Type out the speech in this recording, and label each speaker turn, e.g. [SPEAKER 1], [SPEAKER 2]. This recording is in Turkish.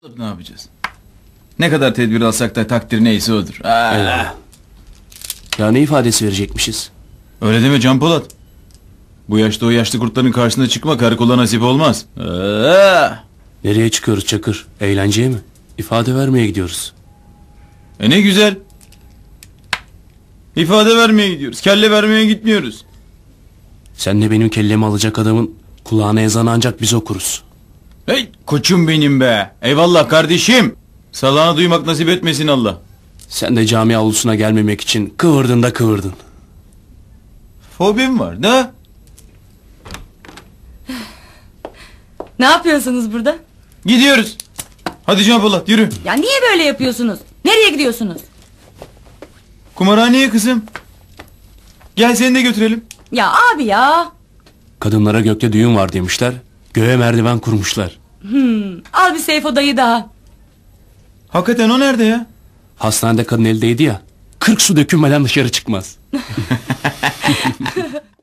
[SPEAKER 1] Ne yapacağız? Ne kadar tedbir alsak da takdir neyse odur.
[SPEAKER 2] Eyvallah. Ya ne ifadesi verecekmişiz?
[SPEAKER 1] Öyle deme Can Polat. Bu yaşta o yaşlı kurtların karşısına çıkma karakola nasip olmaz.
[SPEAKER 2] Nereye çıkıyoruz Çakır? Eğlenceye mi? İfade vermeye gidiyoruz.
[SPEAKER 1] Ne güzel. İfade vermeye gidiyoruz. Kelle vermeye gitmiyoruz.
[SPEAKER 2] Sen de benim kellemi alacak adamın kulağına ezanı ancak biz okuruz.
[SPEAKER 1] Hey koçum benim be. Eyvallah kardeşim. Salağını duymak nasip etmesin Allah.
[SPEAKER 2] Sen de cami avlusuna gelmemek için kıvırdın da kıvırdın.
[SPEAKER 1] Fobim var da.
[SPEAKER 3] Ne yapıyorsunuz burada?
[SPEAKER 1] Gidiyoruz. Hadi Can Polat yürü.
[SPEAKER 3] Ya niye böyle yapıyorsunuz? Nereye gidiyorsunuz?
[SPEAKER 1] Kumarhaneye kızım. Gel seni de götürelim.
[SPEAKER 3] Ya abi ya.
[SPEAKER 2] Kadınlara gökte düğün var demişler. Göğe merdiven kurmuşlar.
[SPEAKER 3] Al bir Seyfo dayı daha.
[SPEAKER 1] Hakikaten o nerede ya?
[SPEAKER 2] Hastanede kadın eldeydi ya. 40 su dökülmeden dışarı çıkmaz.